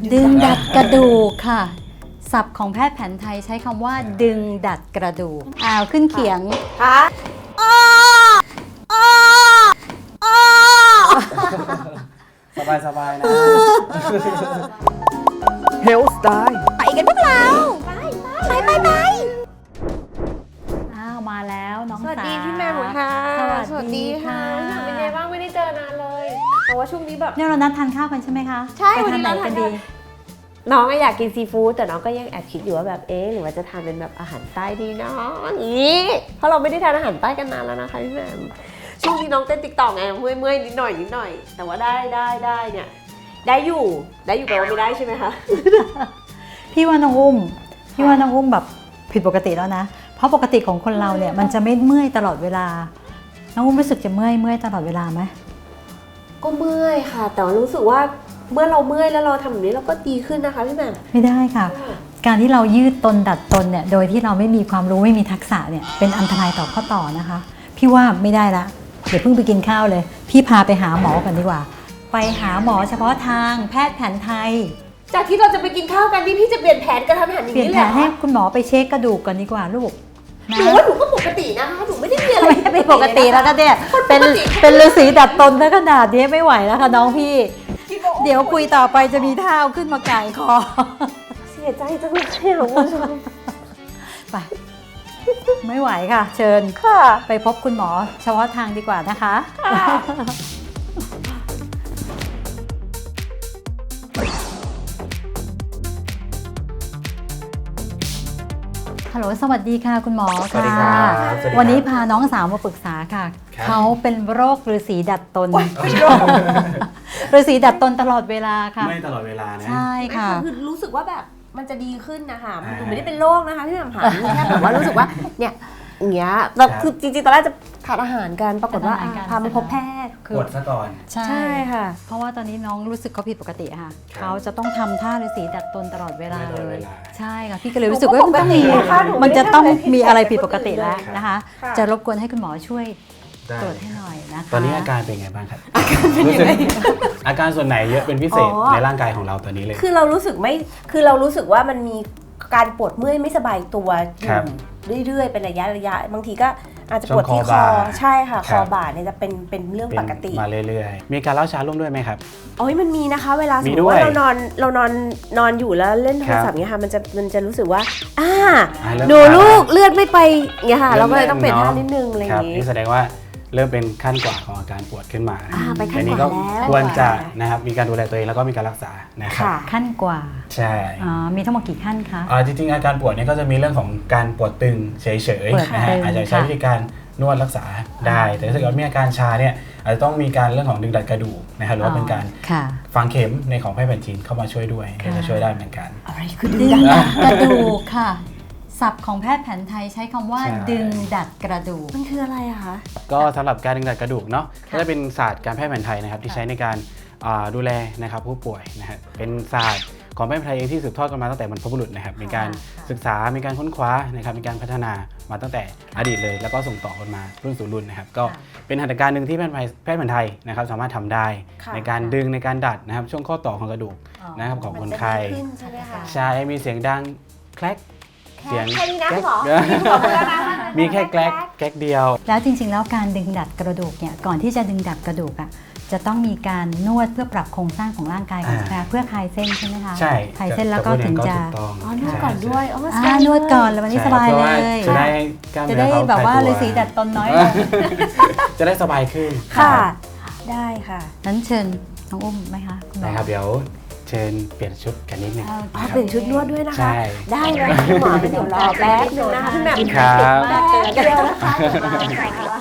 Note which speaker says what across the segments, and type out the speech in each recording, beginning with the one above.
Speaker 1: ดึงดัดกระดูกค่ะศัพท์ของแพทย์แผนไทยใช้คำว่าดึงดัดกระดูกขึ้นเขียง
Speaker 2: ค่ะ
Speaker 3: สบายนะ
Speaker 4: เฮลสไตล์
Speaker 1: ไปกันพวกเราไปมาแล้วน้อง
Speaker 2: สวัสดี
Speaker 1: สา
Speaker 2: พี่แม่หมูค่ะ
Speaker 1: สวัสดีค่ะ
Speaker 2: เป็นไงบ้างไม่ได้เจอนานเลยแต่ว่าช่วงนี้แบบ
Speaker 1: เนี่ยเรานัดทานข้าวกันใช่ไหมคะ
Speaker 2: ใช่
Speaker 1: ไป
Speaker 2: วัน
Speaker 1: ทา
Speaker 2: นี้
Speaker 1: นไหน
Speaker 2: เราทาน
Speaker 1: กันดี
Speaker 2: น้องอยากกินซีฟู้ดแต่น้องก็ยังแอบคิดอยู่ว่าแบบหรือว่าจะทานเป็นแบบอาหารใต้ดีเนาะอย่างนี้เพราะเราไม่ได้ทานอาหารใต้กันนานแล้วนะคะพี่แม่ช่วงนี้น้องเต้นติ๊กต็อกไงเมื่อยนิดหน่อยแต่ว่าได้เนี่ยได้อยู่แปลว่าไม่ได้ใช่ไหมคะ
Speaker 1: พี่ว่าน้องอุ้มแบบผิดปกติแล้วนะเพราะปกติของคนเราเนี่ยมันจะไม่เมื่อยตลอดเวลาน้องอุ้มรู้สึกจะเมื่อยตลอดเวลาไหม
Speaker 2: ก็เมื่อยค่ะแต่ว่ารู้สึกว่าเมื่อเราเมื่อยแล้วเราทำแบบนี้เราก็ดีขึ้นนะคะพี่แหม่ม
Speaker 1: ไม่ได้ค่ะ การที่เรายืดตนดัดตนเนี่ยโดยที่เราไม่มีความรู้ไม่มีทักษะเนี่ยเป็นอันตรายต่อข้อต่อนะคะพี่ว่าไม่ได้ละเดี๋ยวเพิ่งไปกินข้าวเลยพี่พาไปหาหมอกันดีกว่าไปหาหมอเฉพาะทางแพทย์แผนไทย
Speaker 2: จากที่เราจะไปกินข้าวกันนี่พี่จะเปลี่ยนแผนการทำอาหารอย่าง
Speaker 1: เปลี่ยน
Speaker 2: นี้
Speaker 1: แผ
Speaker 2: เลย
Speaker 1: นให้คุณหมอไปเช็คกระดูกก่อนดีกว่าลูกนะ
Speaker 2: หนูว่าหนูก็ปกตินะคะหนูไม่ได้มีอะไร
Speaker 1: ไม่ปกติแล้วก็เนี่ยเป็นฤาษีดัดตนถ้าขนาดนี้ไม่ไหวแล้วค่ะน้องพี่ เดี๋ยวคุยต่อไปจะมีท่าเอาขึ้นมาไก่คอ
Speaker 2: เสียใจจังเลยค่ะคุณผู้ชม
Speaker 1: ไปไม่ไหวค่ะ เชิญ
Speaker 2: ค่ะ
Speaker 1: ไปพบคุณหมอเฉพาะทางดีกว่านะคะฮัลโหลสวัสดีค่ะคุณหมอ
Speaker 3: สวัสดี
Speaker 1: ค่ะ
Speaker 3: ครับสวัสดีครับ
Speaker 1: วันนี้พาน้องสาวมาปรึกษาค่ะ
Speaker 3: ครับ
Speaker 1: เขาเป็นโรคฤาษีดัดตนฤาษีดัดตนตลอดเวลาค่ะ
Speaker 3: ไม่ตลอดเวลานะ
Speaker 1: ใช่ค่ะ
Speaker 2: คือรู้สึกว่าแบบมันจะดีขึ้นนะคะหนูไม่ได้เป็นโรคนะคะพี่แหม่มค่ะแค่แบบว่ารู้สึกว่าเนี่ยอย่างเงี้ยเราคือจริงๆตอนแรกจะทานอาหารกันปรากฏว่า
Speaker 1: ทานอาหารกัน
Speaker 2: พาไปพบแพทย์
Speaker 3: ปวดซะก่อน
Speaker 1: ใช่
Speaker 2: ใช่ค่ะ
Speaker 1: เพราะว่าตอนนี้น้องรู้สึกเขาผิดปกติค่ะ
Speaker 3: ครับ
Speaker 1: เขาจะต้องทำท่าฤาษีดัดตนตลอดเวลา
Speaker 3: ตลอด
Speaker 1: เล
Speaker 3: เวย ลา
Speaker 1: ใช่ค่ะพี่ก็เลยรู้สึกว่ามันต้องมี
Speaker 2: หนูปกตินะคะหนูไม่ได้
Speaker 1: มันจะต้องมีอะไร
Speaker 2: ทำอะไรผิ
Speaker 1: ผิด
Speaker 2: ด
Speaker 1: ปกติแล้ว
Speaker 3: ครับ
Speaker 1: นะคะ
Speaker 2: ค่ะ
Speaker 1: จะรบกวนให้คุณหมอช่วย
Speaker 3: ได้
Speaker 1: ตรวจให้หน่อยนะคะ
Speaker 3: ตอนนี้อาการเป็นไงบ้างครับรู้สึกอาการส่วนไหนเยอะเป็นพิเศษในร่างกายของเราตอนนี้เลย
Speaker 2: คือเรารู้สึกว่ามันมีการปวดเมื่อยไม่สบายตัวอ
Speaker 3: ครับ
Speaker 2: ยู่เรื่อยๆเป็นระยะบางทีก็อาจจะปวดที่
Speaker 3: ช่วงคอ
Speaker 2: คอ
Speaker 3: บ่า
Speaker 2: ใช่ค่ะ
Speaker 3: ค
Speaker 2: ครับ อบ่าเนี่ยจะเป็นเรื่องปกติ
Speaker 3: มาเรื่อยๆ มีการเล่าช้าร่วมด้วยไหมครับ
Speaker 2: โอ้ยมันมีนะคะ เวลาสม
Speaker 3: มี
Speaker 2: ม
Speaker 3: ด้
Speaker 2: ติ
Speaker 3: วย
Speaker 2: ว่าเรานอนอยู่แล้วเล่นโทรศัพท์เงี้ยค่ะมันจะรู้สึกว่า
Speaker 3: เริ่ม
Speaker 2: ดู
Speaker 3: ช้า
Speaker 2: ลูกเลือดไม่ไปเงี้ยค่ะ
Speaker 3: เริ่
Speaker 2: เรา
Speaker 3: ม
Speaker 2: ก็เลยต้องเปลี่ยน
Speaker 3: เริ่ม
Speaker 2: ท่า
Speaker 3: เนอะ
Speaker 2: นิดนึงอะไรอ
Speaker 3: ครั
Speaker 2: ย่า
Speaker 3: บ
Speaker 2: งงี้
Speaker 3: นี่แสดงว่าเริ่มเป็นขั้นกว่าของอาการปวดขึ้นมา
Speaker 2: ไปขั้น
Speaker 3: อันนี้
Speaker 2: ก
Speaker 3: ก็
Speaker 2: ว่าแล้ว
Speaker 3: ควรจะนะครับมีการดูแลตัวเองแล้วก็มีการรักษานะครับ
Speaker 2: ค่ะ
Speaker 1: ขั้นกว่า
Speaker 3: ใช่
Speaker 1: มีทั้งหมดกี่ขั้นคะ
Speaker 3: จริงๆอาการปวดเนี่ยก็จะมีเรื่องของการปวดตึงเฉย
Speaker 1: ปวด
Speaker 3: ๆนะฮะ
Speaker 1: ตึง
Speaker 3: อาจจะใช้
Speaker 1: ค่ะ
Speaker 3: วิธีการนวดรักษาได้ แต่ถ้าเกิดมีอาการชาเนี่ยอาจจะต้องมีการเรื่องของดึงดัดกระดูกนะครับหรือว่าเป็นการ
Speaker 1: ค่ะ
Speaker 3: ฝังเข็มในของแพทย์แผนจีนเข้ามาช่วยด้วยก็จะช่วยได้เหมือนกัน
Speaker 2: อะไรคือ
Speaker 1: ดึ
Speaker 2: ดึ
Speaker 1: ง
Speaker 2: งดัน
Speaker 1: ดัดกระดูกค่ะศัพท์ของแพทย์แผนไทยใช้คำว่า
Speaker 3: ใช่
Speaker 1: ดึงดัดกระดูก
Speaker 2: มันคืออะไรอะคะ
Speaker 3: ก็สำหรับการดึงดัดกระดูกเนาะ
Speaker 1: ค่ะ
Speaker 3: ก็จะเป็นศาสตร์การแพทย์แผนไทยนะครับที่ใช้ในการดูแลนะครับผู้ป่วยนะฮะเป็นศาสตร์ของแพทย์แผนไทยเองที่สืบทอดกันมาตั้งแต่บรรพบุรุษนะครับมีการศึกษามีการค้นคว้านะครับมีการพัฒนามาตั้งแต่อดีตเลย แล้วก็ส่งต่อกันมารุ่นสู่รุ่นนะครับก็เป็นหัตถการหนึ่งที่แพทย์แผนไทยนะครับสามารถทำได้ ในการดึงในการดัดนะครับช่วงข้อต่อของกระดูกนะครับของคนไข้
Speaker 2: มันจะดีขึ้นใช่ไหมคะ
Speaker 3: ใช่มีเสียงดังแคลกเสียง
Speaker 2: แค่นี้นะ
Speaker 3: แก๊ก
Speaker 2: หมอคุณหมอพูดแล้วนะ
Speaker 3: มีแค่แกลกเดียว
Speaker 1: แล้วจริงๆ แล้วการดึงดัดกระดูกเนี่ยก่อนที่จะดึงดัดกระดูกอ่ะจะต้องมีการนวดเพื่อปรับโครงสร้างของร่างกายก่อนใช่ไหมคะเพื่อคลายเส้นใช่ไหมคะ
Speaker 3: ใช่
Speaker 1: คลายเส้นแล้วก็ถึงจะ
Speaker 3: ถูกต้อง
Speaker 2: อ๋อนวดก่อนด้วยอ๋อ
Speaker 1: นวดก่อนแล้ววันนี้สบายเลย
Speaker 3: จะได้กล้าม
Speaker 1: จะ
Speaker 3: เนื้
Speaker 1: ได้
Speaker 3: อเขา
Speaker 1: แบบว่า
Speaker 3: คลยตัว
Speaker 1: ฤาษีดัดตนน้อยลง
Speaker 3: จะได้สบายขึ้น
Speaker 2: ค่ะ ได้ค่ะ
Speaker 1: นั้นเชิญน้องอุ้มไหมคะคุณหมอ
Speaker 3: นะครับเดี๋ยวเชิญเปลี่ยนชุดกันนิดนึง
Speaker 1: อ๋อ
Speaker 2: อ๋อ
Speaker 3: นะค
Speaker 2: เป
Speaker 3: รับ
Speaker 2: ลี่ยนชุดนวดด้วยนะคะ
Speaker 3: ใช่
Speaker 2: ได้เลยคุณหมอเดี๋ยวรอแป๊บนึงนะคะพี่แหม่ม
Speaker 3: ครับ
Speaker 2: แป๊บเดียวนะคะเดี๋ยวมาค่ะ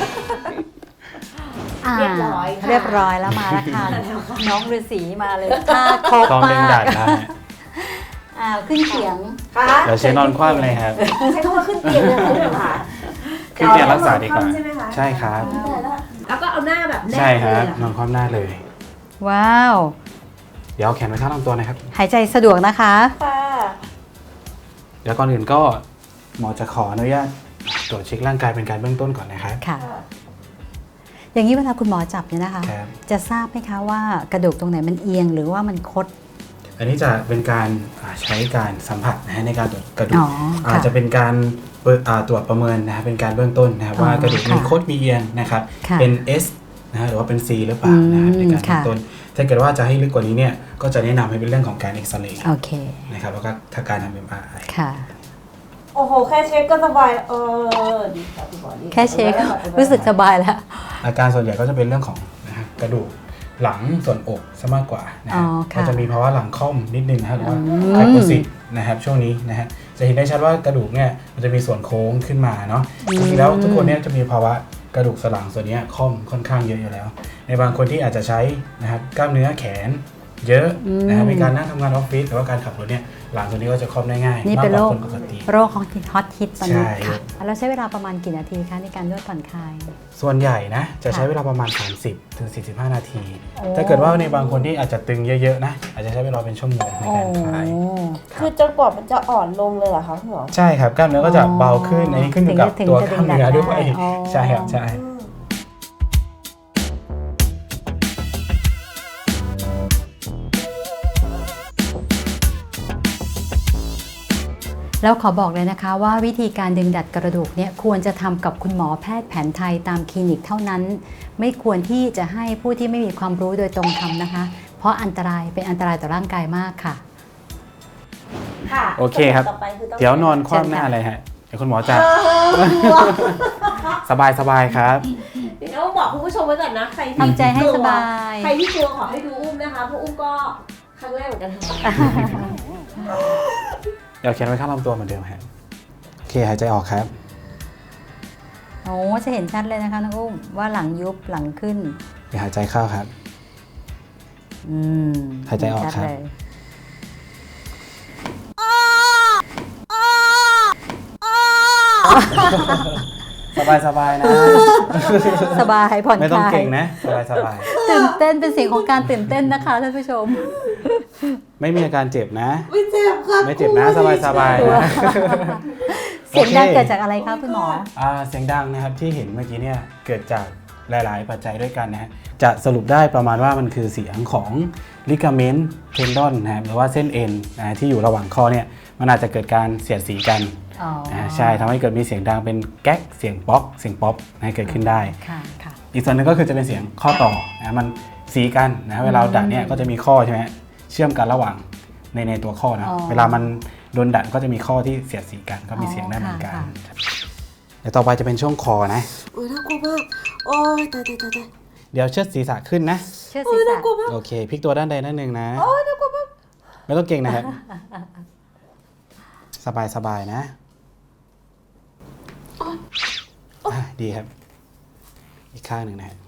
Speaker 2: เรียบร้อยค่ะ
Speaker 1: เรียบร้อยแล้วมาแล้วค่ะน้องฤาษีมาเลยท่าครบ
Speaker 3: พร้อมดึง
Speaker 1: มา
Speaker 3: ดั
Speaker 1: ก
Speaker 3: ดนะฮะ
Speaker 1: ขึ้นเขียง
Speaker 2: ค่ะ
Speaker 3: เดี๋ยวเชิญนอนคว่ำเลยครับ
Speaker 2: ใช้คำว่าขึ้นเตียงเลยค่ะพี่แหม่มค่ะ
Speaker 3: ขึ้นเตียงรักษาดีกว่า
Speaker 2: ใช่ไหมคะ
Speaker 3: ใช่ครับ
Speaker 2: แล้วก็เอาหน้าแบบแนบ
Speaker 3: ใช่
Speaker 2: เล
Speaker 3: ครับ
Speaker 2: ยเหรอน
Speaker 3: อนคว่ำหน้าเลย
Speaker 1: ว้าว
Speaker 3: เดี๋ยวเอาแขนไว้ข้างลำตัวนะครับ
Speaker 1: หายใจสะดวกนะคะ
Speaker 2: ค่ะ
Speaker 3: เดี๋ยวก่อนอื่นก็หมอจะขออนุญาตตรวจเช็คร่างกายเป็นการเบื้องต้นก่อนนะครับ
Speaker 1: ค่ะ อย่างนี้เวลาคุณหมอจับเนี่ยนะคะ
Speaker 3: ครับ
Speaker 1: จะทราบไหมคะว่ากระดูกตรงไหนมันเอียงหรือว่ามันคด
Speaker 3: อันนี้จะเป็นการใช้การสัมผัสนะฮะในการตรวจกระดู
Speaker 1: อ๋
Speaker 3: ก
Speaker 1: อค่ะ
Speaker 3: จะเป็นการตรวจประเมินนะครับเป็นการเบื้องต้นนะครับ
Speaker 1: อ๋อ
Speaker 3: ว่ากระดูกมี
Speaker 1: ค่ะ
Speaker 3: คดมีเอียงนะครับ
Speaker 1: ค่ะ
Speaker 3: เป็น S นะฮะหรือว่าเป็น C หรือเปล่านะครับในการเบื้องต้นถ้าเกิดว่าจะให้ลึกกว่านี้เนี่ยก็จะแนะนำให้เป็นเรื่องของการเอ็กซเรย์
Speaker 1: โอเค
Speaker 3: นะครับแล้วก็ถ้าการทำ MRI
Speaker 1: ค่ะ
Speaker 2: โอ้โห แค่เช็คก็สบายดีค่ะคุณหมอดี
Speaker 1: แค่เช็ครู้สึกสบายแล้ว
Speaker 3: อาการส่วนใหญ่ก็จะเป็นเรื่องของนะครับกระดูกหลังส่วนอกซะมากกว่านะ
Speaker 1: อ๋
Speaker 3: ฮะ
Speaker 1: อค่ะ
Speaker 3: ก็จะมีภาวะหลังค่อมนิดนึงนะครับหรือว่า
Speaker 1: อืม
Speaker 3: ไฮโปซิสนะครับช่วงนี้นะฮะจะเห็นได้ชัดว่ากระดูกเนี่ยมันจะมีส่วนโค้งขึ้นมาเนาะจริงๆแล้วทุกคนเนี่ยจะมีภาวะกระดูกสันหลังส่วนเนี้ยค่อมค่อนข้างเยอะอยู่แล้ว ในบางคนที่อาจจะใช้นะครับกล้ามเนื้อแขนเยอะนะครับในการนั่งทำงานออฟฟิศหรือว่าการขับรถเนี่ยหลังส่วนนี้ก็จะค่อมได้ง่าย
Speaker 1: นี่
Speaker 3: มาก
Speaker 1: เป็น
Speaker 3: ก
Speaker 1: โร
Speaker 3: ว่า
Speaker 1: ค
Speaker 3: คนปกติ
Speaker 1: โรคของฮอตฮิตตอนนี้
Speaker 3: ใช่
Speaker 1: ค่ะแล้วใช้เวลาประมาณกี่นาทีคะในการนวดผ่อนคลาย
Speaker 3: ส่วนใหญ่นะจะใช้
Speaker 1: ค่ะ
Speaker 3: เวลาประมาณ 30 ถึง 45 นาที
Speaker 1: โอ้
Speaker 3: ถ้าเกิดว่าในบางคนที่อาจจะตึงเยอะๆนะอาจจะใช้เวลาเป็นชั่วโมงในการคลาย
Speaker 2: คือจนกว่ามันจะอ่อนลงเลยเหรอคะคุณหมอ
Speaker 3: ใช่ครับกล้ามเนื้อก็จะเบาขึ้นอันนี้ขึ้นอยู่กับ
Speaker 1: ถึง
Speaker 3: ตัว
Speaker 1: จะ
Speaker 3: กล้ามเนื้อ
Speaker 1: ดึงดัน
Speaker 3: ด้วย
Speaker 1: ได้อ๋อ
Speaker 3: ใช่ครับใช่
Speaker 1: แล้วขอบอกเลยนะคะว่าวิธีการดึงดัดกระดูกเนี่ยควรจะทำกับคุณหมอแพทย์แผนไทยตามคลินิกเท่านั้น ไม่ควรที่จะให้ผู้ที่ไม่มีความรู้โดยตรงทำนะคะ เพราะอันตรายเป็นอันตรายต่อร่างกายมากค่ะ
Speaker 2: ค่ะ
Speaker 3: โอเคครับ
Speaker 2: ต่อไปคือต้อง
Speaker 3: เดี๋ยวนอนคว่ำหน้าเลยฮะเดี๋ยวคุณหมอจะสบายๆครับ
Speaker 2: เดี๋ยวต้องบอกคุณผู้ชมไว้ก่อนนะใครที่
Speaker 1: ทำใจให้สบาย
Speaker 2: ใครที่กลัวขอให้ดูอุ้มนะคะเพราะอุ้มก็ครั้งแรกเหมือนกันค่ะ
Speaker 3: เดี๋ยวเขียนไว้ข้างลำตัวเหมือนเดิมครับโอเคหายใจออกครับ
Speaker 1: โอ้จะเห็นชัดเลยนะคะน้องอุ้มว่าหลังยุบหลังขึ้น
Speaker 3: เดี๋ยวหายใจเข้าครับ
Speaker 1: อืม
Speaker 3: หายใจออกครับ
Speaker 1: ชัดเลย
Speaker 3: สบายๆนะ
Speaker 1: สบายผ่อน
Speaker 3: ไม่
Speaker 1: ค
Speaker 3: ต้อง
Speaker 1: ลาย
Speaker 3: เก่งนะสบาย
Speaker 1: ตื่นเต้นเป็นเสียงของการตื่นเต้นนะคะท่านผู้ชม
Speaker 3: ๆไม่มีอาการเจ็บนะ
Speaker 2: ไม่เจ็บค่ะ
Speaker 3: ไม่เจ็บนะสบายๆนะ
Speaker 1: เสียงดังเกิดจากอะไรคะคุณหมอ
Speaker 3: เสียงดังนะครับที่เห็นเมื่อกี้เนี่ยเกิดจากหลายๆ ปัจจัยด้วยกันนะฮะจะสรุปได้ประมาณว่ามันคือเสียงของลิกาเมนต์เทนดอนนะครับหรือว่าเส้นเอ็นนะที่อยู่ระหว่างข้อเนี่ยมันอาจจะเกิดการเสียดสีกัน
Speaker 1: อ๋อ
Speaker 3: ใช่ทำให้เกิดมีเสียงดังเป็นแก๊กเสียงป๊อกเสียงป๊อปนะเกิดขึ้นได้
Speaker 1: ค่ะค่ะ
Speaker 3: อีกส่วนหนึงก็คือจะเป็นเสียงข้อต่อนะมันสีกันนะเวลาดัดเนี่ยก็จะมีข้อใช่ไหมเชื่อมกันระหว่างในตัวข้อนะ
Speaker 1: อ๋อ
Speaker 3: เวลามันโดนดัดก็จะมีข้อที่เสียดสีกันก็มีเสียงได้เหมือนกัน
Speaker 1: ค่ะ
Speaker 3: เดี๋ยวต่อไปจะเป็นช่วงคอนะ
Speaker 2: โอ้ยน่ากลัวมากโอ้ยตาย
Speaker 3: เดี๋ยวเชิดศีรษะขึ้นนะ
Speaker 1: เชื่อศีรษะ
Speaker 3: โอเคพลิกตัวด้านใดด้านหนึ่งนะโอ้ยน่ากลัวมากไม่ต้องเก่งนะครับ สบายนะดีครับ อีกข้างหนึ่งนะฮะ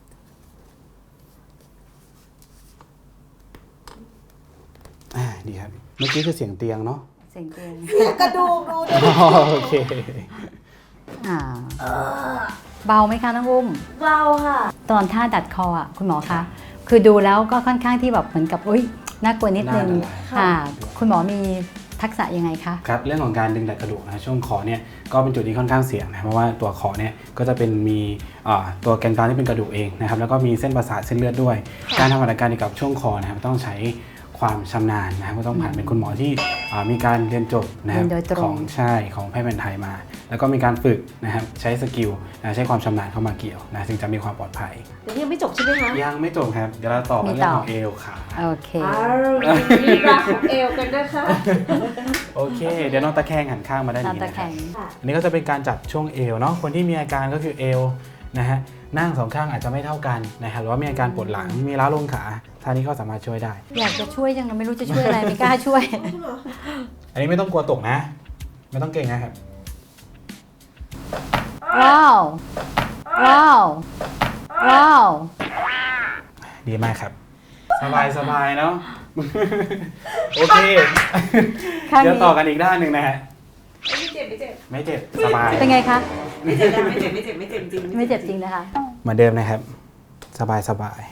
Speaker 3: ดีครับ เมื่อกี้คือเสียงเตียงเนาะ
Speaker 1: เสียงเตียง
Speaker 2: กระดูกดูดิ
Speaker 3: โอเค
Speaker 1: อ่าเบาไหมคะน้องอุ้ม
Speaker 2: เบาค่ะ
Speaker 1: ตอนท่าดัดคออ่ะคุณหมอคะคือดูแล้วก็ค่อนข้างที่แบบเหมือนกับอุ้ยน่ากลัวนิดนึง
Speaker 3: น่าละลาย
Speaker 1: ค่ะ คุณหมอมีทักษะยังไงคะ
Speaker 3: ครับเรื่องของการดึงดัดกระดูกนะช่วงคอเนี่ยก็เป็นจุดที่ค่อนข้างเสี่ยงนะเพราะว่าตัวคอเนี่ยก็จะเป็นมีตัวแกนกลางที่เป็นกระดูกเองนะครับแล้วก็มีเส้นประสาทเส้นเลือดด้วย การทำอาการเกี่ยวกับช่วงคอนะครับต้องใช้ความชำนาญนะครับก็ต้องผ่านเป็นคุณหมอที่มีการเรียนจบนะครับ
Speaker 1: เรียนโดยตรง
Speaker 3: ของของแพทย์แผนไทยมา แล้วก็มีการฝึกนะครับใช้สกิลใช้ความชำนาญเข้ามาเกี่ยวนะจึงจะมีความปลอดภัย
Speaker 2: เดี๋ยวยังไม่จบใช่ไหมคะ
Speaker 3: ยังไม่จบครับเดี๋ยวเราต่อกันเรื่องของเอวขา
Speaker 1: โอเค
Speaker 2: มีรักของเอวกันนะคะ
Speaker 3: โอเค เดี๋ยวน้องตะแคงหันข้างมาด้าน
Speaker 1: ตาม
Speaker 3: นี้
Speaker 1: ตะ
Speaker 3: นะ
Speaker 1: แค
Speaker 3: ครับ
Speaker 1: ง
Speaker 3: อันนี้ก็จะเป็นการจับช่วงเอวเนาะ คนที่มีอาการก็คือเอวนะฮะ นั่งสองข้างอาจจะไม่เท่ากันนะครับหรือว่ามีอาการปวดหลัง มีล้าวลงขา ท่านี้ก็สามารถช่วยได้
Speaker 1: อยากจะช่วยจังเลยไม่รู้จะช่วยอะไรไม่กล้าช่วย
Speaker 3: อันนี้ไม่ต้องกลัวตกนะ ไม่ต้องเก่งนะครับ
Speaker 1: ว้าว ว้าว ว้าว
Speaker 3: ดีมากครับ สบายเนาะ โอเค
Speaker 1: ข้างนี้
Speaker 3: เดี๋ยวต่อกันอีกด้านหนึ่งนะฮะ
Speaker 2: ไม่เจ็บ
Speaker 3: ไม่เจ็บ สบาย
Speaker 1: เป็นไงคะ
Speaker 2: ไม่เจ็บไม่เจ็บจริง
Speaker 1: ไม่เจ็บจริงนะคะ
Speaker 3: เหมือนเดิมนะครับ สบาย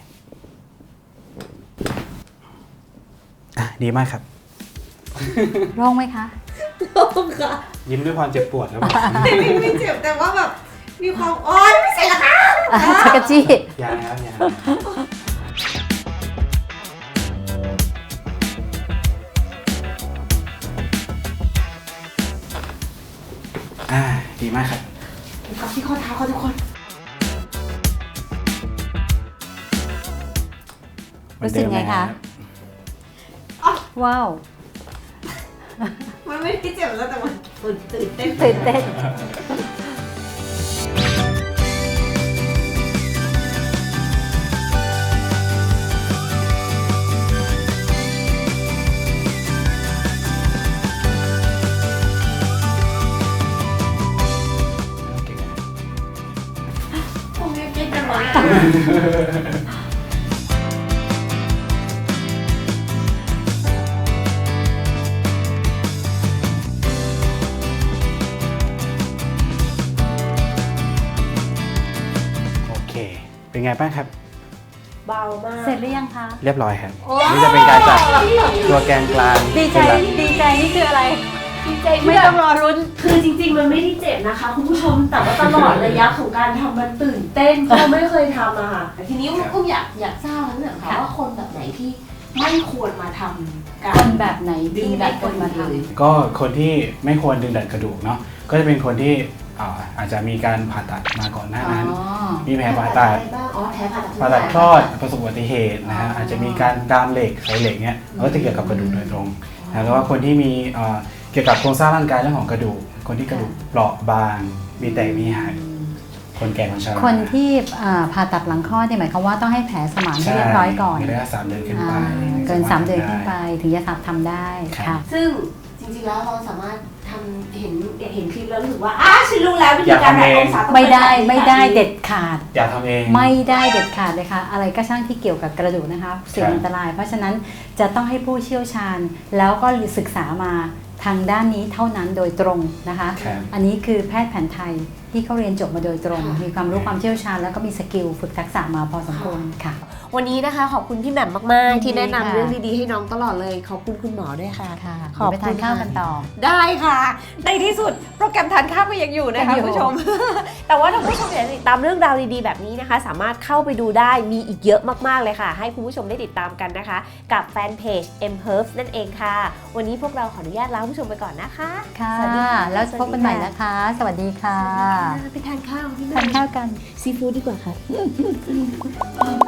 Speaker 3: ดีมากครับ
Speaker 1: โล่งไหมคะ
Speaker 2: โล่งค่ะ
Speaker 3: ยิ้มด้วยความเจ็บปวดแล้วบอก
Speaker 2: ไม่เจ็บแต่ว่าแบบมีความโอ๊ยไม่ใช่ละค่ะ
Speaker 1: ชักกะจี้
Speaker 3: อย่านะครับอย่าดีมากครับ
Speaker 2: กับที่ข้อเท้าค่ะทุกคน
Speaker 1: รู้สึกไงคะ ว้าว
Speaker 2: มันไม่ได้เจ็บแล้วแต่มันตื่นเต้น
Speaker 1: ตื่นเต้น
Speaker 2: ผมยังเก่งจังเลย
Speaker 3: โอเค เป็นไงบ้างครับ
Speaker 2: เบามาก
Speaker 1: เสร็จหรือยังคะ
Speaker 3: เรียบร้อยครับ นี่จะเป็นการจับตัวแกนกลาง
Speaker 1: ดีใจ
Speaker 3: เป็นหลัก
Speaker 1: ดีใจนี่คืออะไร
Speaker 2: ดีใจ
Speaker 1: ไม่ต้องรอรุ้น
Speaker 2: คือจริงๆ มันไม่ได้เจ็บนะคะคุณผู้ชม แต่ว่าตลอดระยะของการทำมันตื่นเต้นเพราะเราไม่เคยทำอะค่ะแต่ทีนี้อุ้มอยากทราบแล้วเนี่ยค่ะ
Speaker 1: ค่ะ
Speaker 2: ว่าคนแบบไหนที่ไม่ควรมาทำกา
Speaker 1: ค
Speaker 2: ร
Speaker 1: นแบบไหน
Speaker 2: ดึ
Speaker 1: ดี
Speaker 2: ง
Speaker 1: แบ
Speaker 2: ดั
Speaker 1: บ
Speaker 2: น
Speaker 1: คนมาท
Speaker 2: เลย
Speaker 3: ก็คนที่ไม่ควรดึงดันกระดูกเนาะ ก็จะเป็นคนที่อาจจะมีการผ่าตัดมาก่อนหน้า
Speaker 1: อ๋อ
Speaker 3: นั้น มีแผลผ่าตัด
Speaker 2: อะไรบ้างอ๋อแผลผ่าตัด
Speaker 3: ผ่าตัดคลอดประสบอุบัติเหตุนะฮะ อาจจะมีการดามเหล็กใส่เหล็กเนี้ยก็จะเกี่ยวกับกระดูกโดยตรงนะแล้วว่าคนที่มีเกี่ยวกับโครงสร้างร่างกายเรื่องของกระดูก คนที่กระดูกเปราะบาง มีแตกมีหัก คนแก่คนชรา
Speaker 1: คนที่ผ่าตัดหลังคลอดเนี่ยหมายความว่าต้องให้แผลสมานให้เรียบร้อยก่อน
Speaker 3: มีระยะ3 เดือนขึ้นไป
Speaker 1: เกิน 3 เดือนขึ้นไปถึงจะทำได้
Speaker 3: ครับ
Speaker 1: ค่ะ
Speaker 2: ซึ่งจริงๆ แล้วเราสามารถทำเห็นคลิปแล้วรู้สึกว่าฉันรู้แล้ววิ
Speaker 3: อ
Speaker 2: ธี
Speaker 3: ย่า
Speaker 2: การ
Speaker 3: ทำ
Speaker 2: แบ่ง
Speaker 3: เอง
Speaker 2: องศาต้อง
Speaker 1: ไม่ได้
Speaker 2: เป็นแบบนี้
Speaker 1: ไม่ได้เด็ดขาด
Speaker 3: อย่าทำเอง
Speaker 1: ไม่ได้เด็ดขาดเลยค่ะ อะไรก็ช่างที่เกี่ยวกับกระดูกนะคะสิ่ง
Speaker 3: ครับ
Speaker 1: อันตราย เพราะฉะนั้นจะต้องให้ผู้เชี่ยวชาญ แล้วก็ศึกษามาทางด้านนี้เท่านั้นโดยตรงนะคะ
Speaker 3: ครับ
Speaker 1: อันนี้คือแพทย์แผนไทยที่เขาเรียนจบมาโดยตรง มีความรู้ความเชี่ยวชาญแล้วก็มีสกิลฝึกทักษะมาพอสมควรค่ะ
Speaker 2: วันนี้นะคะขอบคุณพี่แหม่มมาก
Speaker 1: ยินดี
Speaker 2: ๆ ที่แนะนำ
Speaker 1: ค่ะ
Speaker 2: เรื่องดีๆ ให้น้องตลอดเลย ขอบคุณคุณหมอด้วยค่ะ
Speaker 1: ค่ะ
Speaker 2: ขอบ
Speaker 1: ไป
Speaker 2: คุณ
Speaker 1: ทานข้าว
Speaker 2: ค่ะ
Speaker 1: กันต่อ
Speaker 2: ได้ค่ะ ในที่สุดโปรแกรมทานข้าวก็ยังอยู่นะคะ
Speaker 1: ยังอยู่
Speaker 2: คุณผู้ชม แต่ว่าถ้าคุณผู้ชมอยากจะติดตามเรื่องราวดีๆ แบบนี้นะคะ สามารถเข้าไปดูได้มีอีกเยอะมากๆเลยค่ะ ให้คุณผู้ชมได้ติดตามกันนะคะ กับแฟนเพจ M Herbs นั่นเองค่ะ วันนี้พวกเราขออนุญาตลาคุณผู้ชมไปก่อนนะคะ
Speaker 1: ค่ะ
Speaker 2: สวัสดีค่ะ
Speaker 1: แล้วพบกันใหม่นะคะ สวัสดีค่ะ
Speaker 2: ไปทานข้าวพี่แหม่
Speaker 1: ทาน
Speaker 2: ม
Speaker 1: ข้าวกัน
Speaker 2: ซีฟู้ดดีกว่าค่ะ